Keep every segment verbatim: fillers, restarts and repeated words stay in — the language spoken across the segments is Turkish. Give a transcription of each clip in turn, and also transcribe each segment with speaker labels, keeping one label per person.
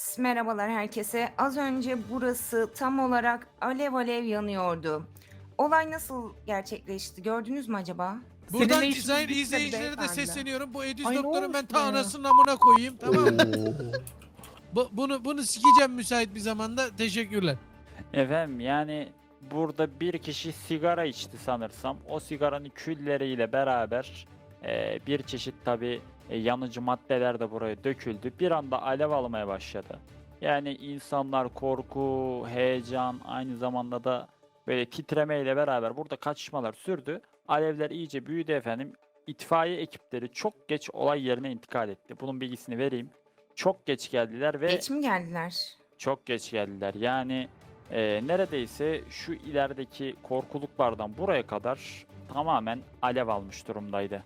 Speaker 1: Evet, merhabalar herkese. Az önce burası tam olarak alev alev yanıyordu. Olay nasıl gerçekleşti? Gördünüz mü acaba?
Speaker 2: Senin
Speaker 3: Buradan
Speaker 2: ne işiniz
Speaker 3: izleyen
Speaker 2: bitti
Speaker 3: izleyicilere de
Speaker 2: beyefendi?
Speaker 3: sesleniyorum. Bu Ediz
Speaker 2: Ay ne
Speaker 3: doktorun
Speaker 2: olmuş
Speaker 3: ben ta
Speaker 2: buna ya?
Speaker 3: anasının amına koyayım, tamam mı?
Speaker 4: Oo.
Speaker 3: Bu, bunu bunu sikeceğim müsait bir zamanda. Teşekkürler.
Speaker 5: Efendim yani burada bir kişi sigara içti sanırsam. O sigaranın külleriyle beraber e, bir çeşit tabi yanıcı maddeler de buraya döküldü. Bir anda alev almaya başladı. Yani insanlar korku, heyecan, aynı zamanda da böyle titremeyle beraber burada kaçışmalar sürdü. Alevler iyice büyüdü efendim. İtfaiye ekipleri çok geç olay yerine intikal etti. Bunun bilgisini vereyim. Çok geç geldiler ve
Speaker 1: Geç mi geldiler?
Speaker 5: çok geç geldiler. Yani e, neredeyse şu ilerideki korkuluklardan buraya kadar tamamen alev almış durumdaydı.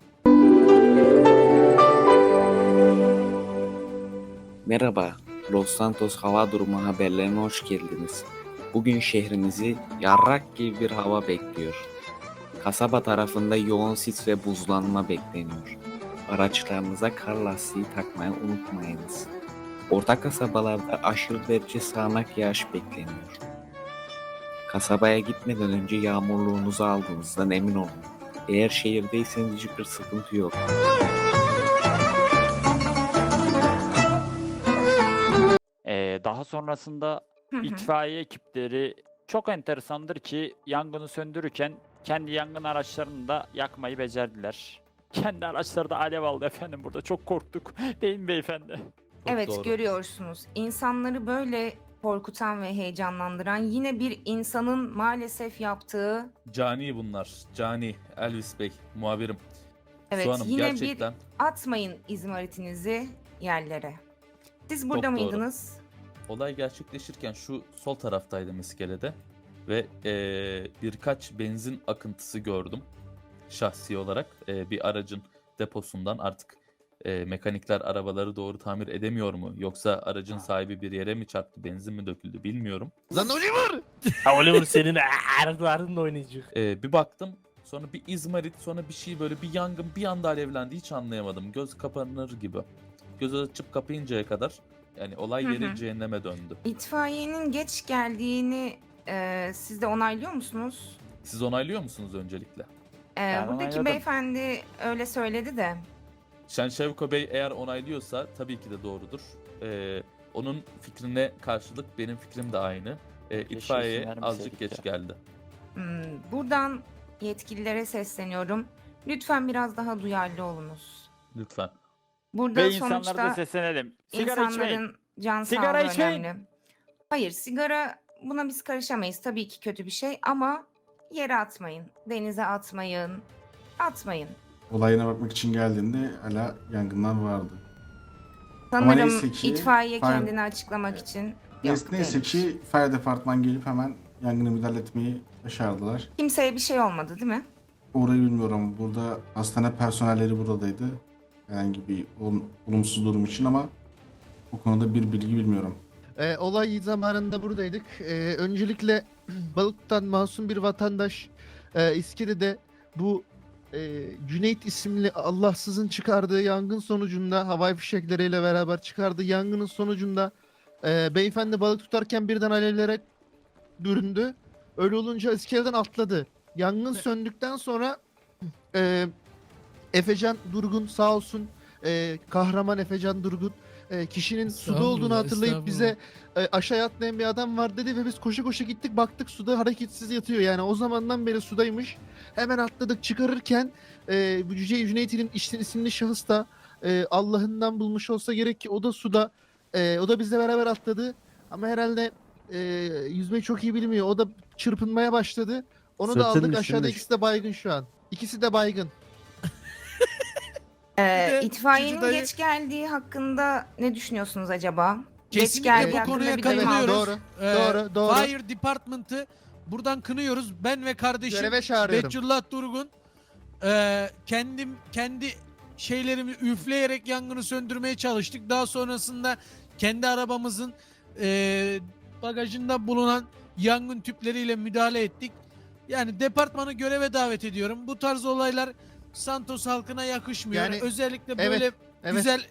Speaker 4: Merhaba, Los Santos hava durumu haberlerine hoş geldiniz. Bugün şehrimizi yarrak gibi bir hava bekliyor. Kasaba tarafında yoğun sis ve buzlanma bekleniyor. Araçlarınıza kar lastiği takmayı unutmayınız. Orta kasabalarda aşırı derece sağanak yağış bekleniyor. Kasabaya gitmeden önce yağmurluğunuzu aldığınızdan emin olun. Eğer şehirdeyseniz hiçbir sıkıntı yok.
Speaker 5: E, daha sonrasında
Speaker 1: Hı hı.
Speaker 5: itfaiye ekipleri çok enteresandır ki yangını söndürürken kendi yangın araçlarını da yakmayı becerdiler. Kendi araçları da alev aldı efendim, burada çok korktuk. Değil mi beyefendi?
Speaker 1: Evet,
Speaker 2: doğru.
Speaker 1: görüyorsunuz. İnsanları böyle korkutan ve heyecanlandıran yine bir insanın maalesef yaptığı,
Speaker 2: Cani bunlar. Cani. Elvis Bey. Muhabirim.
Speaker 1: evet
Speaker 2: Su Hanım
Speaker 1: yine
Speaker 2: gerçekten
Speaker 1: bir atmayın izmaritinizi yerlere. Siz burada
Speaker 2: Çok doğru.
Speaker 1: mıydınız?
Speaker 2: olay gerçekleşirken şu sol taraftaydım iskelede. Ve eee, birkaç benzin akıntısı gördüm. Şahsi olarak eee, bir aracın deposundan artık eee, mekanikler arabaları doğru tamir edemiyor mu? Yoksa aracın sahibi bir yere mi çarptı, benzin mi döküldü bilmiyorum.
Speaker 3: Lan Oliver!
Speaker 6: Ha Oliver senin ağrılarınla oynayacak.
Speaker 2: Eee, bir baktım, sonra bir izmarit, sonra bir şey, böyle bir yangın bir anda alevlendi, hiç anlayamadım. Göz kapanır gibi. Göz açıp kapayıncaya kadar yani olay
Speaker 1: Hı
Speaker 2: yeri
Speaker 1: hı.
Speaker 2: cehenneme döndü.
Speaker 1: İtfaiyenin geç geldiğini e, siz de onaylıyor musunuz?
Speaker 2: Siz onaylıyor musunuz öncelikle?
Speaker 1: E,
Speaker 5: Ben
Speaker 1: buradaki
Speaker 5: onayladım.
Speaker 1: beyefendi öyle söyledi de.
Speaker 2: Şenşevko Bey eğer onaylıyorsa tabii ki de doğrudur. Ee, onun fikrine karşılık benim fikrim de aynı. Ee,
Speaker 5: Keşke
Speaker 2: itfaiye
Speaker 5: isim
Speaker 2: azıcık
Speaker 5: vermeseydik
Speaker 2: geç
Speaker 5: ya.
Speaker 2: geldi.
Speaker 1: Hmm, buradan yetkililere sesleniyorum. Lütfen biraz daha duyarlı olunuz.
Speaker 2: Lütfen.
Speaker 1: Burada
Speaker 5: Ve insanlara da
Speaker 1: sonuçta
Speaker 5: seslenelim. Sigara içmeyin.
Speaker 1: insanların can
Speaker 5: Sigara
Speaker 1: sağlığı
Speaker 5: içmeyin.
Speaker 1: önemli. Hayır, sigara, buna biz karışamayız. Tabii ki kötü bir şey ama yere atmayın, denize atmayın, atmayın.
Speaker 7: Olayına bakmak için geldiğinde hala yangınlar vardı. Ama
Speaker 1: Sanırım
Speaker 7: neyse ki
Speaker 1: itfaiye
Speaker 7: fire-
Speaker 1: kendini açıklamak için
Speaker 7: Neyse,
Speaker 1: yok
Speaker 7: neyse
Speaker 1: değilmiş.
Speaker 7: ki fire departman gelip hemen yangını müdahale etmeyi başardılar.
Speaker 1: Kimseye bir şey olmadı değil mi?
Speaker 7: Orayı bilmiyorum. Burada hastane personelleri buradaydı. Herhangi bir ol- olumsuz durum için ama bu konuda bir bilgi bilmiyorum.
Speaker 8: Ee, olay zamanında buradaydık. Ee, öncelikle Balık'tan masum bir vatandaş e, İskele'de bu e, Cüneyt isimli Allahsızın çıkardığı yangın sonucunda havai fişekleriyle beraber çıkardığı yangının sonucunda e, beyefendi balık tutarken birden alevlere büründü. Öyle olunca iskeleden atladı. Yangın söndükten sonra e, Efecan Durgun sağ olsun, e, kahraman Efecan Durgun e, kişinin suda olduğunu
Speaker 3: Estağfurullah,
Speaker 8: hatırlayıp bize e, aşağıya atlayan bir adam var dedi ve biz koşu koşu gittik, baktık suda hareketsiz yatıyor, yani o zamandan beri sudaymış. Hemen atladık, çıkarırken e, bu Cüce Cüneyt'in işte isimli şahıs da e, Allah'ından bulmuş olsa gerek ki o da suda, e, o da bizle beraber atladı ama herhalde e, yüzmeyi çok iyi bilmiyor, o da çırpınmaya başladı, onu da
Speaker 6: Sırtının
Speaker 8: aldık, aşağıda
Speaker 6: üstünde.
Speaker 8: ikisi de baygın şu an, ikisi de baygın.
Speaker 1: Ee,
Speaker 3: de
Speaker 1: itfaiyenin
Speaker 3: Cici dayı-
Speaker 1: geç geldiği hakkında ne düşünüyorsunuz acaba?
Speaker 3: Kesinlikle
Speaker 1: geç geldiği
Speaker 3: bu
Speaker 1: hakkında
Speaker 3: konuya
Speaker 1: bir duyum
Speaker 3: katılıyoruz.
Speaker 1: aldım.
Speaker 8: Doğru,
Speaker 3: Ee,
Speaker 8: doğru, doğru.
Speaker 3: Fire Department'ı buradan kınıyoruz. Ben ve kardeşim
Speaker 8: Göreve çağırıyorum.
Speaker 3: Betullah Durgun e, kendim kendi şeylerimi üfleyerek yangını söndürmeye çalıştık. Daha sonrasında kendi arabamızın e, bagajında bulunan yangın tüpleriyle müdahale ettik. Yani departmanı göreve davet ediyorum. Bu tarz olaylar Santos halkına yakışmıyor.
Speaker 8: Yani,
Speaker 3: Özellikle
Speaker 8: evet,
Speaker 3: böyle
Speaker 8: evet.
Speaker 3: güzel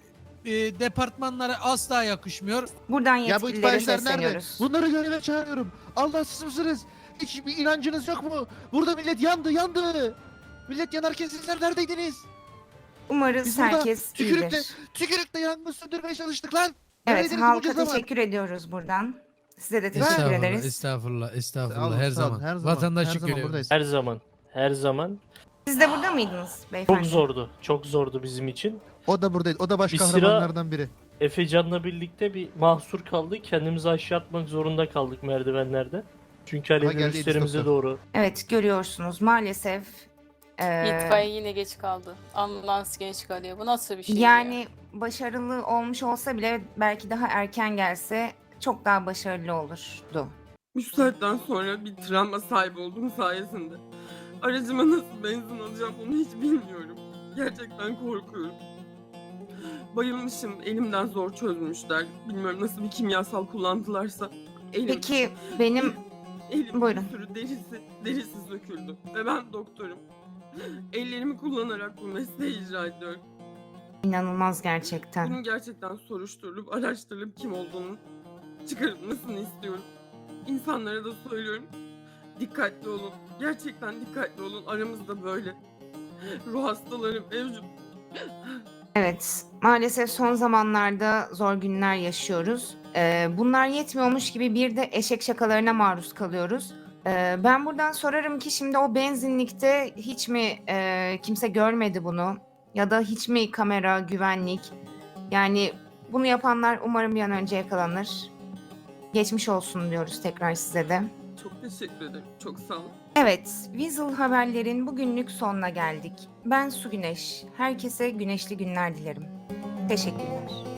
Speaker 3: e, departmanlara asla yakışmıyor.
Speaker 1: Buradan
Speaker 8: Ya bu
Speaker 1: yetkililere
Speaker 8: itfaiyeciler nerede?
Speaker 1: sesleniyoruz.
Speaker 8: Bunları göreve çağırıyorum. Allahsız mısınız? Hiç bir inancınız yok mu? Burada millet yandı yandı. Millet yanarken sizler neredeydiniz?
Speaker 1: Umarız
Speaker 8: Biz burada
Speaker 1: herkes
Speaker 8: tükürükle,
Speaker 1: iyidir.
Speaker 8: tükürükle yangın söndürmeye çalıştık lan.
Speaker 1: Evet,
Speaker 8: Neredeydiniz
Speaker 1: halka
Speaker 8: bunca zaman?
Speaker 1: teşekkür ediyoruz buradan. Size de teşekkür
Speaker 3: Estağfurullah,
Speaker 1: ederiz.
Speaker 3: estağfurullah,
Speaker 8: Sağ
Speaker 3: estağfurullah
Speaker 8: olun,
Speaker 3: her
Speaker 8: sağ olun,
Speaker 3: zaman.
Speaker 8: her zaman,
Speaker 3: Vatandaşlık
Speaker 8: her zaman
Speaker 3: görevi.
Speaker 8: buradayız.
Speaker 6: Her zaman. Her zaman.
Speaker 1: Siz de burada mıydınız beyefendi?
Speaker 6: Çok zordu. Çok zordu bizim için.
Speaker 8: O da buradaydı. O da baş
Speaker 6: Bir sıra-
Speaker 8: kahramanlardan biri.
Speaker 6: Efecan'la birlikte bir mahsur kaldık. Kendimizi aşağı atmak zorunda kaldık merdivenlerde. Çünkü
Speaker 8: Aha,
Speaker 6: alevler
Speaker 8: geldi
Speaker 6: üstlerimize
Speaker 8: doktor.
Speaker 6: doğru.
Speaker 1: Evet, görüyorsunuz maalesef. eee,
Speaker 9: İtfaiye yine geç kaldı. Ambulans geç kalıyor. Bu nasıl bir şey
Speaker 1: yani
Speaker 9: ya?
Speaker 1: başarılı olmuş olsa bile belki daha erken gelse çok daha başarılı olurdu.
Speaker 10: Bu saatten sonra bir travma sahibi olduğum sayesinde aracıma nasıl benzin alacağım onu hiç bilmiyorum. Gerçekten korkuyorum. Bayılmışım, elimden zor çözmüşler. Bilmiyorum nasıl bir kimyasal kullandılarsa. Elim,
Speaker 1: Peki benim
Speaker 10: elim
Speaker 1: buyurun.
Speaker 10: bir sürü derisi, derisi söküldü. Ve ben doktorum. Ellerimi kullanarak bu mesleği icra ediyorum.
Speaker 1: inanılmaz gerçekten.
Speaker 10: Bunun gerçekten soruşturulup, araştırılıp kim olduğunu çıkarılmasını istiyorum. İnsanlara da söylüyorum. Dikkatli olun. Gerçekten dikkatli olun. Aramızda böyle ruh hastaları mevcut.
Speaker 1: Evet, maalesef son zamanlarda zor günler yaşıyoruz. Ee, bunlar yetmiyormuş gibi bir de eşek şakalarına maruz kalıyoruz. Ee, ben buradan sorarım ki şimdi o benzinlikte hiç mi e, kimse görmedi bunu? Ya da hiç mi kamera, güvenlik? Yani bunu yapanlar umarım bir an önce yakalanır. Geçmiş olsun diyoruz tekrar size de.
Speaker 10: Çok teşekkür ederim. Çok sağ olun.
Speaker 1: Evet, Weasel Haberlerin bugünlük sonuna geldik. Ben Su Güneş. Herkese güneşli günler dilerim. Teşekkürler.